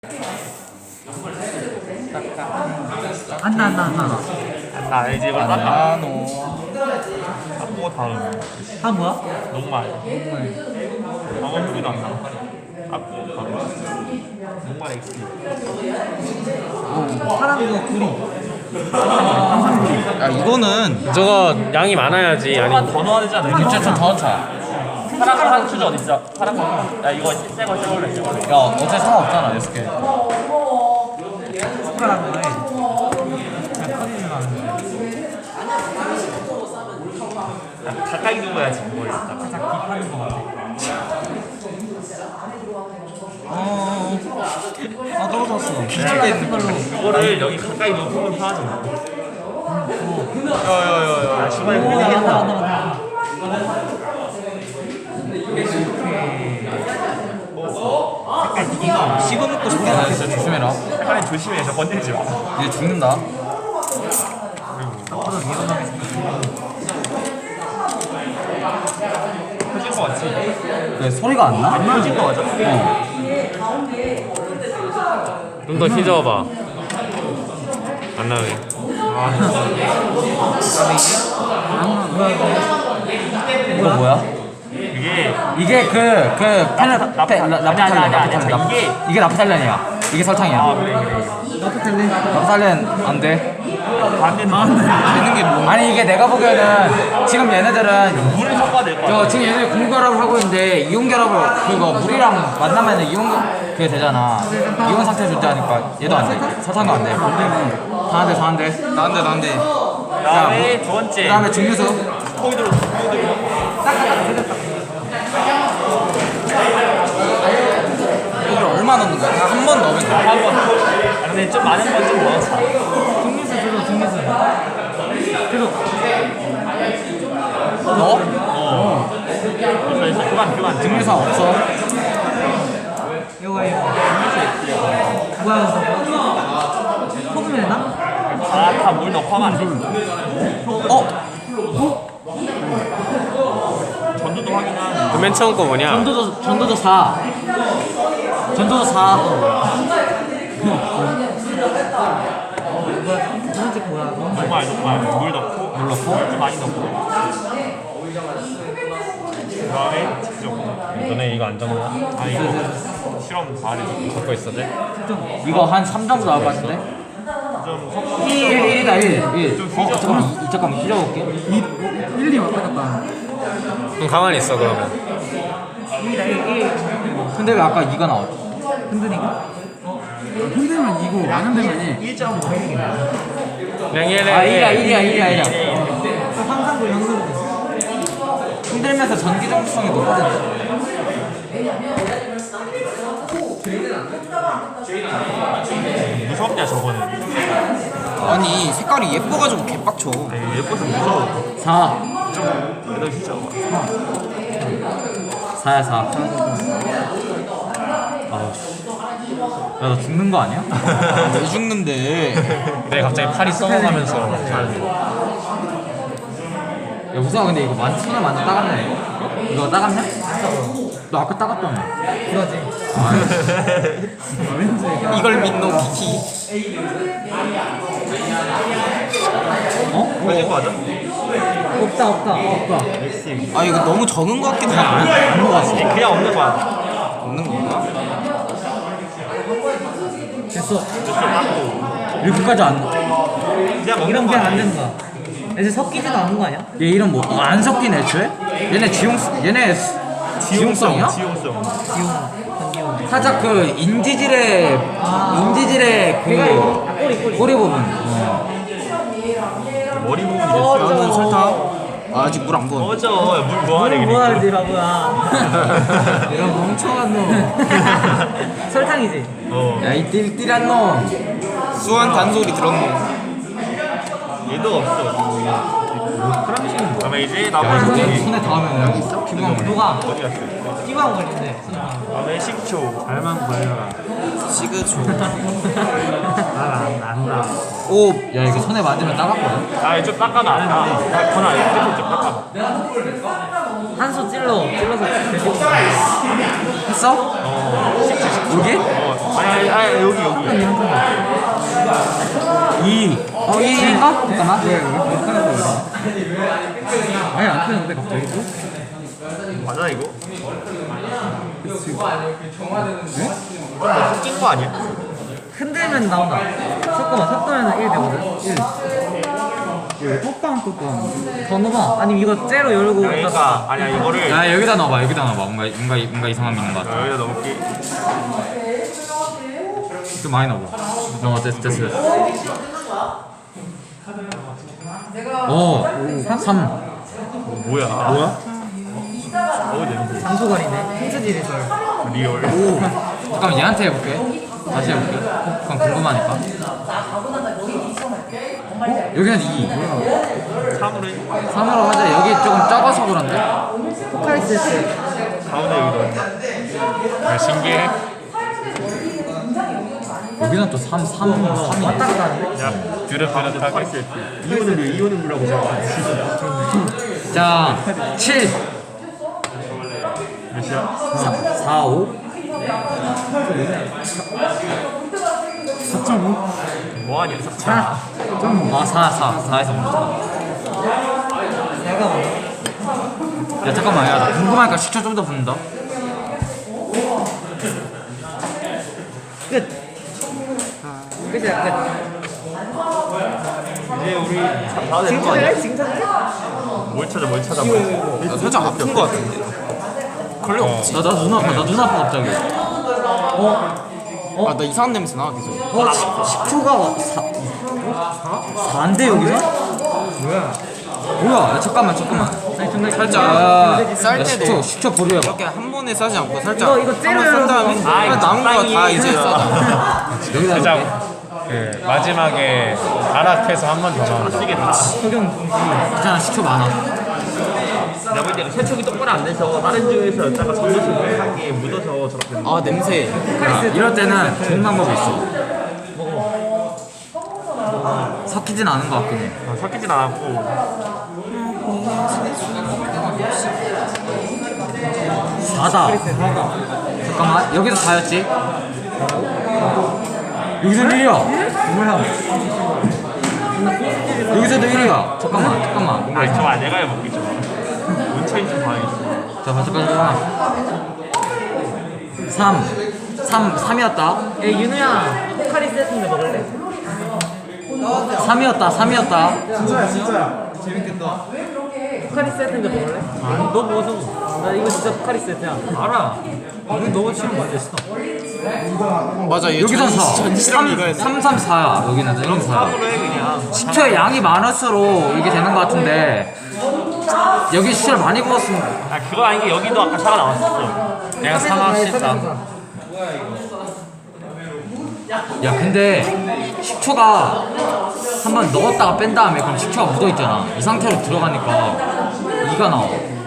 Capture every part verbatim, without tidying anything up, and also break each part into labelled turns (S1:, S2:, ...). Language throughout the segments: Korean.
S1: 안나 안나 안나
S2: 나 알지 이걸 닦아
S3: 나노
S2: 닦고 다음
S1: 아 뭐야?
S2: 녹말 방어 소리도 안 나. 닦고 바로 녹말 엑스
S1: 파란 거 구리
S3: 야 이거는
S4: 저거 양이 많아야지. 아니
S2: 더 넣어야 되지 않아?
S3: 진짜 좀 더 넣자.
S2: 파란 파란 추지 어디 있어? 파란 거. 야 이거 새거 새걸로 해 새걸로.
S3: 야 어차피 상관없잖아 여섯 개.
S1: 파란 거에 그냥 터지진 않는데
S2: 가까이 누워야지 뭘 딱.
S1: 살짝 비파는 거 같아.
S3: 어. 아 떨어졌어. 뒤집게 있는 걸로.
S2: 이거를 여기 가까이 놓으면 편하잖아. 야야야야. 중간에
S1: 오
S2: 흘리겠다.
S1: 맞다 맞다 맞다
S3: 씹어먹고 싶게 나 진짜 조심해라.
S2: 색깔이 조심해. 저 건들지 마.
S3: 얘 죽는다.
S1: 앞으로 위험하게 생겼어.
S2: 터질 거 같지?
S3: 왜 소리가 안 나?
S2: 터질 거 같아.
S3: 어.
S4: 좀 더 휘저어봐. 안 나오게.
S1: 뭐야 이거
S3: 이거 뭐야?
S2: 이게
S3: 이게 그그 페나
S2: 나프-
S3: 페
S2: 나프-
S3: 라프탈렌
S2: 아니, 아니, 아니,
S3: 라프탈렌
S2: 아니,
S3: 라프-
S2: 이게-
S3: 이게 라프탈렌이야. 이게 설탕이야.
S2: 아 그래 그래.
S1: 나프탈렌
S3: 라프탈렌 안 돼.
S2: 안 되는 안
S3: 되는 게 뭐? 아니 이게 내가 보기에는 지금 얘네들은
S2: 물을 섞어야 될 거
S3: 저
S2: 같아.
S3: 지금 얘네 공결합을 하고 있는데 이온 결합을 그거 물이랑 만나면 이온 그게 되잖아. 이온 상태 존재하니까 얘도 안 돼. 설탕도 안 돼. 다 안 돼, 다 안 돼. 다 안 돼, 다 안 돼.
S2: 그다음에 두 번째.
S3: 그다음에 증류수.
S2: 포이드로 포이드로.
S3: 이걸 얼마 넣는 거야? 한 번 넣으면 돼.
S2: 한 번. 아 근데 좀 많은 건 좀 넣어서.
S1: 증류수 들어 증류수 들어
S3: 넣어?
S2: 어. 그래서 이제 그만 그만
S3: 증류수 없어.
S1: 이거 이거 뭐야 이거 소금이 되나?
S2: 다다 물 넣고 하면 안 돼.
S3: 어?
S2: 전도도 확인하는.
S4: 그 맨 처음 거 뭐냐?
S1: 전도도 전도도 사 전도도 사 두 번째 거 뭐야 너무 많이
S2: 녹말 녹말 물 넣고 물 넣고 좀 많이 넣고. 그다음에 직접.
S4: 너네 이거 안 적나?
S2: 아 이거 실험 다 해.
S4: 적고 있어 돼?
S3: 이거 한 삼 정도 나올 것 같은데?
S2: 좀 섞어.
S3: 일, 일이다, 일. 일.
S2: 좀
S3: 어, 잠깐만, 이- 잠깐만, 휘저어볼게.
S1: 일, 이 왔다 갔다
S4: 그럼 가만히 있어 그러면.
S1: 일이다 일, 일
S3: 근데 왜 아까 이가 나왔지?
S1: 흔드니까? 흔들면 이고 안 흔들면
S2: 일 점 오.
S4: 그냥 얘네.
S3: 아, 일이야, 일이야, 일이야, 일이야.
S1: 항상도 연습을 했어
S3: 흔들면서 전기 정수성이 높거든.
S2: 무섭냐 저거는.
S3: 아니, 색깔이 예뻐가지고 개빡쳐.
S2: 아니, 예뻐서 무서워.
S3: 사.
S2: 그래도 진짜.
S3: 사야, 사. 아우, 씨. 야, 너 죽는 거 아니야? 왜 죽는데?
S4: 내가 갑자기 팔이 썩어가면서.
S3: 야, 우성아, 근데 이거 만, 손에 완전 따갑네. 이거 따갑냐? 너 아까 따갑다며.
S1: 그러지
S3: 이걸 믿노, 비키. 어?
S2: 걸릴 거 맞아?
S1: 없다 없다 없다
S2: 맥심.
S3: 아, 이거 너무 적은 거 같기도 하고. 안 먹었어.
S2: 그냥 없는 거야.
S3: 없는 건가?
S1: 됐어
S3: 이렇게까지 안.
S2: 그냥 먹는
S1: 이런
S2: 거야.
S1: 게안 되는 거야 이제 섞이지도 않는 거 아니야?
S3: 얘 이름 뭐? 아, 안 섞인 애초에? 얘네 지용 얘네 지용성이야?
S2: 지용성.
S1: 기용 전기용
S3: 살짝 그 인지질의 인지질의 그
S1: 아, 꼬리 꼬리
S3: 꼬리 부분. 어.
S2: 머리 부분이
S1: 어,
S2: 됐어.
S1: 저-
S3: 설탕. 아, 아직 물 안 부어.
S2: 꺼져. 물 뭐하래
S1: 뭘
S2: 그래.
S1: 뭐하는지 바보야
S3: 이런 멍청한 놈.
S1: 설탕이지?
S2: 어.
S3: 야, 이 띨띨한 놈. 수한 단소리 들었노.
S2: 얘도 없어. 그다음에 이제
S3: 야,
S2: 나머지
S3: 이거 손에 닿으면 여기 있어? 피부가 물.
S1: 누가?
S2: 어디 갔어?
S1: 띠방 걸린대
S2: 그다음에 식초.
S1: 잘만 걸려라
S3: 시그초.
S1: 난안 안다
S3: 오, 야, 이거 손에 맞으면 따갑거든.
S2: 아, 좀 닦아놔. 아, 전화 이렇게 좀 닦아놔.
S1: 한수 찔러 찔러서
S3: 했어?
S2: 어. 식초 식초.
S3: 여기?
S2: 어. 아니 아니 아니 여기 여기.
S3: 이. 어, 이인가? 잠깐만.
S1: 왜, 왜, 왜 하는 거야? 아니, 안 뜨는데, 갑자기 또?
S2: 맞아 이거?
S1: 네?
S2: 낀거 아니야?
S1: 흔들면 나온다. 섞어봐, 섞으면 일 되거든. 일. 왜, 톡방, 톡방. 더 넣어봐. 아니면 이거 째로 열고.
S2: 그러니까 아니야 이거를
S3: 야, 여기다 넣어봐. 여기다 넣어봐. 뭔가 뭔가 뭔가 이상함 있는 것 같아.
S2: 여기다 넣을게.
S3: 좀 많이 넣어봐. 어, 됐어, 됐어. 됐어. 오, 삼.
S2: 뭐야? 뭐야? 어우 냄새.
S1: 장소관이네. 힌트질에서.
S2: 리얼.
S3: 잠깐만 얘한테 해볼게. 다시 해볼게. 그럼 궁금하니까. 여기는 이.
S2: 삼으로 해.
S3: 삼으로 하자. 여기 조금 적어서 그런데.
S1: 포카리스트.
S2: 가운데 여기 넣었다.
S4: 야, 신기해.
S3: 여기는 또 삼, 삼, 삼이.
S1: 왔다 갔다 하는데?
S2: 야
S4: 뚜렷뚜렷하게.
S2: 이호는 왜 이호는 물라고 생각해?
S3: 자, 칠.
S2: 몇이야?
S3: 사, 오.
S1: 사 점 오.
S2: 뭐하냐 삭차.
S3: 아, 사, 사. 사에서 멈춰.
S1: 내가 뭐.
S3: 야, 잠깐만. 야, 나 궁금하니까 식초 좀 더 붓는다.
S1: 끝. 끝이야, 끝.
S2: 이제 우리 다 되는 거 아니야?
S1: 징차해
S2: 뭘 찾아 뭘 찾아 뭘 찾아.
S3: 살짝 아픈 것 같은데. 그럴 리 없지. 나, 나 눈 아파. 나 눈 아파, 갑자기. 아, 나 이상한 냄새 나, 계속.
S1: 어, 식초가 사. 사인데 여기는? 뭐야?
S3: 뭐야? 야, 잠깐만, 잠깐만.
S1: 아니, 존나
S3: 살짝. 쌀 때도 식초, 식초 보류해봐. 이렇게 한 번에 싸지 않고 살짝.
S1: 이거 이거 째려
S3: 싼 다음에
S2: 아, 이거
S3: 남은 거 다
S2: 적당히.
S3: 이제 싸자. 여기다
S4: 살짝
S3: 넣을게.
S4: 그 마지막에 아랍해서 한 번 더 나온다.
S2: 쓰겠다.
S1: 석영.
S3: 괜찮아, 식초 많아.
S2: 내가 볼 때는 세척이 똑바로 안 돼서 다른 지역에서 여자가 전도식 한 게 묻어서 저렇게 된 거야.
S3: 아, 냄새. 야, 이럴 때는 좋은 방법이 있어. 섞이진 않은 것 같긴 해.
S2: 아, 섞이진 않았고
S3: 사다. 잠깐만, 여기서 사였지? 여기서 일이야.
S1: 뭐야?
S3: 여기서도 일이야. 잠깐만, 잠깐만.
S2: 아니 저아 내가 해볼게 좀 원차인 좀 봐야겠어.
S3: 자, 잠깐만. 삼. 삼, 삼이었다.
S1: 야, 윤우야. 포카리 세트인데 먹을래?
S3: 삼이었다, 삼이었다.
S1: 포카리 세트인데 먹을래? 아니, 너 먹어서. 나 이거 진짜 포카리 세트야. 알아. 이거 너가 치면 맞았어.
S3: 맞아, 여기서 사. 삼, 삼, 삼, 사야. 여기는 여기는 사야.
S2: 삼으로 해 그냥.
S3: 식초의 양이 많을수록 이게 되는 것 같은데 여기 식초를 많이 부었으면
S2: 아 그거 아닌 게 여기도 아까 차가 나왔었어.
S4: 내가 사과 씻다.
S3: 야 근데 식초가 한번 넣었다가 뺀 다음에 그럼 식초가 묻어있잖아. 이 상태로 들어가니까 이가 나와.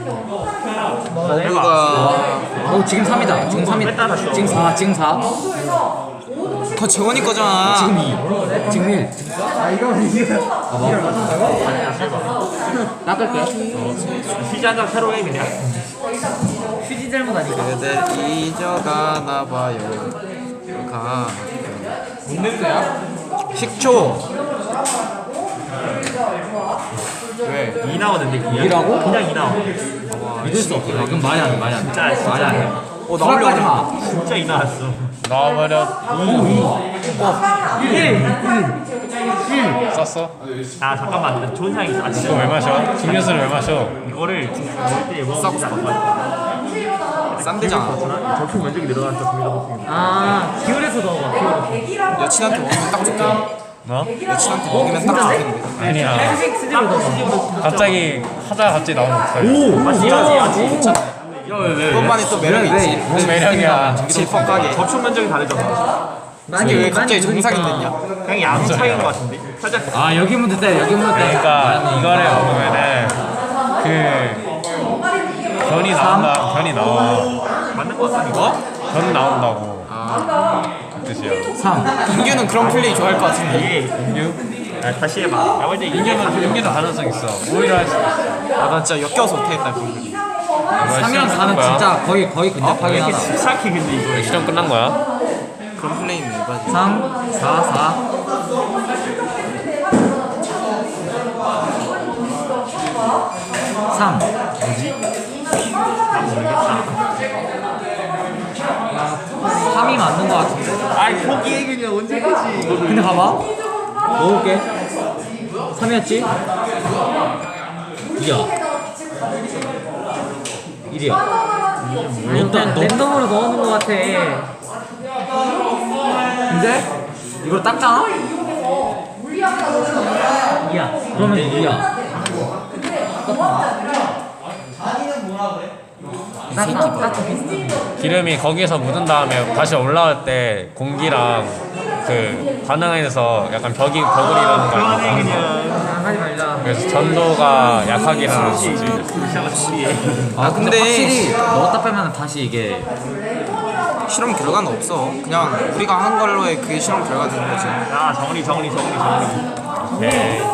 S2: 해봐.
S3: 어 지금 삼이다. 지금 삼이.
S2: 뺐다 다시
S3: 지금 사. 지금 사.
S5: 그거 재원이 거잖아.
S3: 지금 이. 지금 일.
S1: 아, 이거 이거.
S3: 봐봐. 닦을게.
S2: 휴지 한장 새로 해 그냥.
S1: 휴지 잘못 아니까.
S5: 그대 잊어가나 봐요. 가.
S3: 뭔 냄새야?
S5: 식초. 왜?
S2: 이 나오는데 그냥.
S3: 이라고?
S2: 그냥 이 나와.
S3: 믿을 수 없어. 이건 말이 안 돼. 말이 안 돼.
S2: 진짜, 진짜.
S3: 말이 안 돼.
S5: 어,
S3: 수락하지 마.
S2: 진짜 이 나왔어.
S4: 나와버려.
S1: 일.
S4: 썼어?
S2: 아 잠깐만 나 좋은 생각이 있어. 아
S4: 이거
S2: 진짜
S4: 왜 마셔? 음료수를 왜 마셔?
S2: 이거를 먹을 때 먹으면 안 돼.
S5: 쌈대잖아.
S2: 적품 면적이 늘어났죠. 국민 호흡이.
S1: 아, 기울여서 넣어봐. 기울여서.
S5: 여친한테 먹으면 딱 좋겠네.
S4: 뭐?
S5: 여친한테 먹으면 딱 좋겠네.
S4: 아니야.
S1: 휴식 수지로 넣어봐.
S4: 갑자기 하다가 갑자기 나오면 어떡해?
S2: 아 진짜지 아지.
S5: 그것만의 또 매력이 있지.
S4: 뭔 매력이야.
S5: 질퍽하게.
S2: 접촉 면적이 다르잖아.
S5: 이게 왜 갑자기 정상이 됐냐?
S2: 그냥 양 차이인 것 같은데. 살짝
S3: 아 여기 묻을 때 여기 묻을 때.
S4: 그러니까 이거를 먹으면은 그 변이 나온다. 변이 나와.
S2: 맞는 것 같아 이거.
S4: 변 나온다고. 그 뜻이야.
S3: 삼.
S5: 인규는 그런 플레이 좋아할 것 같은데.
S2: 이게 아, 다시 해봐. 야 근데 이게
S4: 인계는 인계는 가능성 있어. 오히려 할 수. 있어.
S5: 아, 난 진짜 역겨워서 못하겠다 그런 플레이.
S3: 삼이랑 사는 진짜 거의 거의
S2: 왜
S3: 근접하긴
S2: 이렇게
S3: 하다.
S2: 집착해 근데 이거.
S4: 실험 끝난 거야?
S5: 그런 플레이는 일반이지.
S1: 삼, 사, 사. 삼.
S2: 난 모르겠다.
S1: 삼이 맞는 거 같은데.
S2: 아이 포기해 그냥 언제 그지?
S1: 근데 봐봐. 넣어볼게. 삼이었지? 이야. 일이야. 일단 랜덤으로 넣어놓은 거 같아.
S3: 근데 이걸 닦잖아?
S1: 이야. 그러면 이야. 딱, 딱 비슷해.
S4: 기름이 거기서 묻은 다음에 다시 올라올 때 공기랑 그 반응해서 약간 벽이 벽을 이루는 거
S2: 그만해
S4: 아니야?
S2: 그냥.
S1: 하지 말자.
S4: 그래서 전도가 약하게 하는 거지.
S2: 루시아가 소리해.
S3: 아 근데,
S5: 근데-
S3: 확실히 넣었다 빼면 다시 이게
S5: 실험 결과는 없어. 그냥 우리가 하는 걸로의 그게 실험 결과 되는 거지.
S2: 야 정리 정리 정리 정리. 오케이.